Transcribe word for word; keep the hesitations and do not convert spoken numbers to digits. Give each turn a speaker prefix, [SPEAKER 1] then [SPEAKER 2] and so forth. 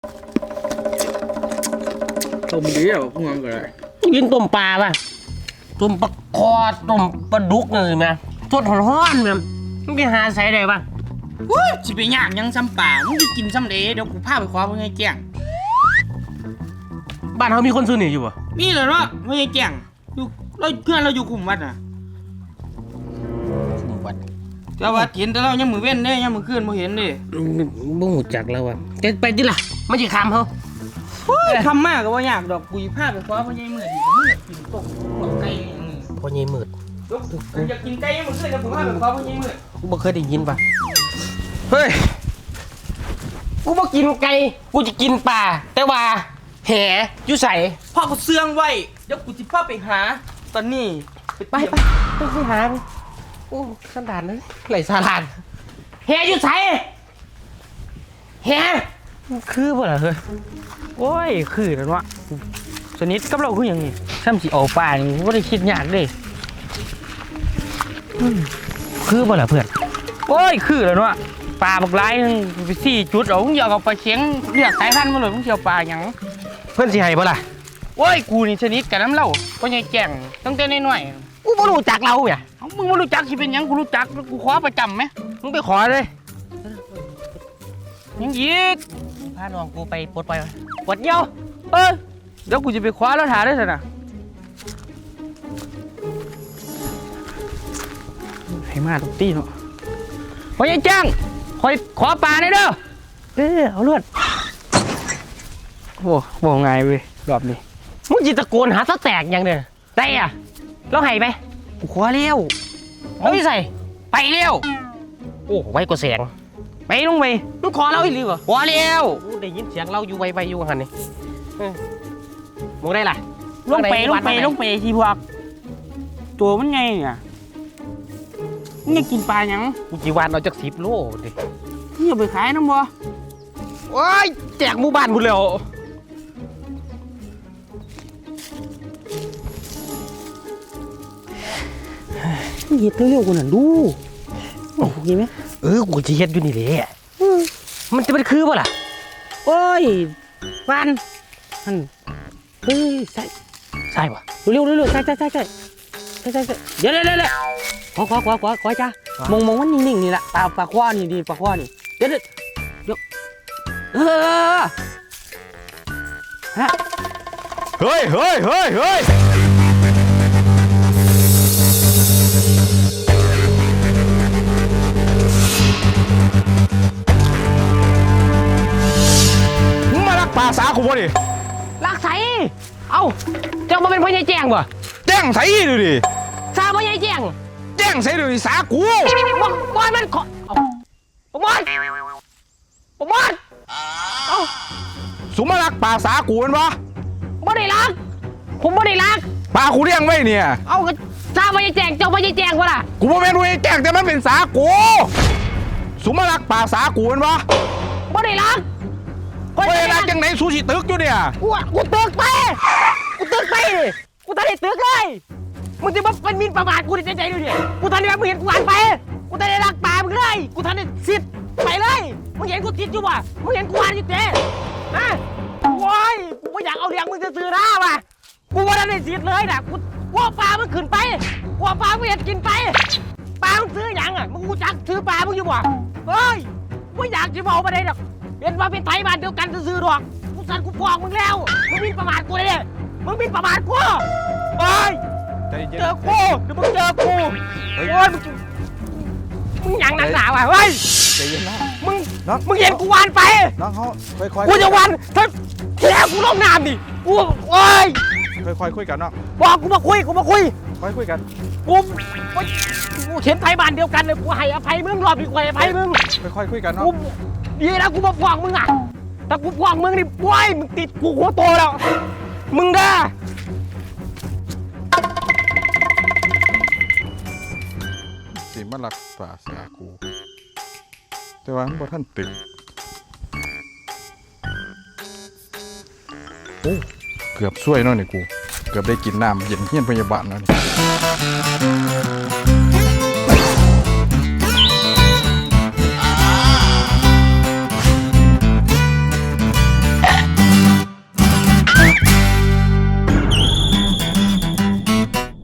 [SPEAKER 1] ต้มดีอ่ะพวกมันก็ได้
[SPEAKER 2] กินต้มปลาป่ะต้มปลาคอต้มปลาดุกเลยไหมสดร้อนๆเนี่ยมึงไปหาใส่ได้ป่ะ
[SPEAKER 1] วู้สิไปย่างยังซ้ำป่ามึงจะกินซ้ำเด๋เดี๋ยวกูพาไปคว้าพวกไงแจ้ง
[SPEAKER 2] บ้านเขามีคนซื้อหนีอยู่ป่ะ
[SPEAKER 1] มีเลยเนาะพวกไงแจ้งอยู่เราเพื่อนเราอยู่กลุ่มวัดน่ะ
[SPEAKER 2] คุมวัด
[SPEAKER 1] แต่ว่าเห็นแต่เรายังมือเว้นเด้ยังมือขึ้นมือเห็นเด้
[SPEAKER 2] บ่หูจักแล้วว่ะจะไปดิล่ะไม่ใช่คำเขา
[SPEAKER 1] ทำมากก็ว่ายากดอกกูพาไปคว้าพวกไงมือดีมึงอยากกินตกหัวไก่อย่างนี้
[SPEAKER 2] พวกไงมืด
[SPEAKER 1] อยากกินไก่ยังมือขึ้นแล้วกูพาไปคว้าพวกไงมืด
[SPEAKER 2] กูบ่เคยได้ยินป่ะเฮ้ยกูบ่กินไก่กูจะกินปลาแต่ว่าแหอยู่ใส่
[SPEAKER 1] พ่อกูเสื่องไว้เดี๋ยวกูจะพาไปหาตอนนี้
[SPEAKER 2] ไปไปไปไปหาโอ้สันดานนั้นไหลสาลานแหอยู่ใส่แหคือบ่ล่ะเฮ้ย
[SPEAKER 3] โอ้ยคือแล้ววะสนิทกับเราคืออย่างนี้ซ้ำสิเอาป่านี่ก็ได้คิดยากเลยคือบ่ล่ะเพื่อนโอ้ยคือแล้ววะป่าบักไร้ไปสี่จุดเอามึงอยากเอาปลาเข็งเลือกสายพันธุ์มาเลยมึงเชียวป่าอย่าง
[SPEAKER 2] เพื่อนสิให้บ่ล่ะ
[SPEAKER 3] โอ้ยกูนี่สนิทกับน้ำเล่าก็ยังแก่งตั้งแต่น้อย
[SPEAKER 2] ๆกูบ่รู้จักเราเนี่ย
[SPEAKER 3] มึงไม่รู้จักสิเป็นยังกูรู้จักกูขอประจำไหม
[SPEAKER 2] มึงไปขอเลย
[SPEAKER 3] ยังยีก
[SPEAKER 2] พาน้องกูไปปลดปล่อยปลดเยี่ยว
[SPEAKER 3] เออเดี๋ยวกูจะไปคว้าแล้วถ่ายได้สินะให้มาตุกตีเนาะพอยังจ้างคอยขอปลาได้เด้อ
[SPEAKER 2] เออเอาเลือด
[SPEAKER 3] โอ้โหไงเว้ยรอบนี้
[SPEAKER 2] มึงจิตะโกนหาซะแตกยังเด้อได้อะเราให้ไป
[SPEAKER 3] กูขอเลี้ยว
[SPEAKER 2] เอาไปใส่
[SPEAKER 3] ไปเลี้ยว
[SPEAKER 2] โอ้ไว้กว่าแสง
[SPEAKER 3] ไปลงไป
[SPEAKER 2] มึงขอเราอีกหรือเปล่า
[SPEAKER 3] ขอเลี้ยว
[SPEAKER 2] ได้ยินเสียงเราอยู่ไวๆอยู่หันนี่มึงได้ล่ะ
[SPEAKER 3] ลงไปลงไปลงไปทีพวกตัวมันไงเนี่ยมึงกินปลายัง
[SPEAKER 2] กูจีวานเอาจากสิบโลดิ
[SPEAKER 3] นี่เอาไปขายน้ำบ่
[SPEAKER 2] โอ้ยแจกหมู่บ้านหมดแล้ว
[SPEAKER 3] เฮ็ดเร็วๆกูน่ะดูโอ้ยไหม
[SPEAKER 2] เออกูจะเฮ็ดอยู่นี่แหละมันจะเป็นคือป่ะล่ะ
[SPEAKER 3] โอ้ยวันมันเฮ้ยใส่
[SPEAKER 2] ใช่ป่ะ
[SPEAKER 3] เร็วๆเร็วๆใช่ใช่ใช่ใช่ใช่ใช่ใช่เดี๋ยวเดี๋ยวเดี๋ยวขอขอขอขอขอจ้ามองมองมันนิ่งๆนี่แหละปลาปลาคว้านี่ดีปลาคว้านี่เดี๋ยวเดี๋ยวเออ
[SPEAKER 4] ฮะเฮ้ยเฮ้ยเฮ้ยเฮ้ยมึงมาลักปลาสาคูบ่ดิ
[SPEAKER 2] ลักใส่เอ้าเจ้ามาเป็นพ่อใหญ่แจ้งบ่
[SPEAKER 4] แจ้งใส่ดูดิ
[SPEAKER 2] ซาพ่อใหญ่แจ้ง
[SPEAKER 4] แจ้งใส่ดูดิสาคู
[SPEAKER 2] บอบอยมันขอปมอนปมอนเอ้า
[SPEAKER 4] สุมาลักปลาสาคูมันวะ
[SPEAKER 2] บ่ได้ลักผมบ่ได้ลัก
[SPEAKER 4] ปลาคูเลี้ยงไว้เนี่ย
[SPEAKER 2] เอาก็ซาพ่อใหญ่แจ้งเจ้าพ่อใหญ่แจ้งวะล่ะ
[SPEAKER 4] กูบ่แม่นพ่อใหญ่แจ้งแต่มันเป็นสาคูสุมาลักปลาสาคูมันวะ
[SPEAKER 2] บ่ได้ลัก
[SPEAKER 4] บ่ได้ลักจังไหนซูชิตึกอยู่เนี่ย
[SPEAKER 2] กูกูตึกไปกูตึกไปกูทันได้ตึกเลยมึงจะมาเป็นมินประมาทกูในใจดูดิกูทันได้มึงเห็นกูอ่านไปกูทันได้รักป่ามึงเลยกูทันได้สิทธิ์ไปเลยมึงเห็นกูติดอยู่ว่ะมึงเห็นกูอ่านอยู่เจ๊ฮะโว้ยกูไม่อยากเอาเลี้ยงมึงจะซื้อหน้าว่ะกูว่าทันได้สิทธิ์เลยนะกูว่าป่ามึงขึ้นไปกูว่าป่ามึงเห็นกินไปป่ามึงซื้ออย่างอ่ะมึงกูจักซื้อป่ามึงอยู่ว่ะเฮ้ยไม่อยากจะบอกมาเลยหรอกเป็นว่าเป็นไทยบ้านเดียวกันซื้อหรอกกูสั่นกูฟ้องมึงแล้วมึงมินประมาทกูเลยมึงมินประมาทกูเฮ้ยเจอกูเดี๋ยวมึงเจอกูโอ้ยมึงมึงอย่างหนักหนาว่ะเฮ้ย
[SPEAKER 4] ใจเย็นนะ
[SPEAKER 2] มึงมึงเห็นกูวานไป
[SPEAKER 4] น้องเขาค่อยๆ
[SPEAKER 2] กูจะวานถ้าแย่กูลงน้ำดิกูโอ้ย
[SPEAKER 4] ค่อยๆคุยกันเนาะ
[SPEAKER 2] บอกกูมาคุยกูมาคุย
[SPEAKER 4] ค่อยคุยกัน
[SPEAKER 2] กูกูเห็นไทยบ้านเดียวกันเลยกูให้อภัยมึงรอบนี้กูให้อภัยมึง
[SPEAKER 4] ค่อยๆคุยกันเนาะ
[SPEAKER 2] ดีนะกูมาฟ้องมึงอ่ะแต่กูฟ้องมึงนี่โว้ยมึงติดกูหัวโตแล้วมึงเด้อ
[SPEAKER 4] สิมาลักปลาสาคูแต่ว่าบ่ท่านตึกโอ้เกือบช่วยเนาะนี่กูเกือบได้กินน้ำเย็นเฮี้ยนพยาบาลแล้วนี่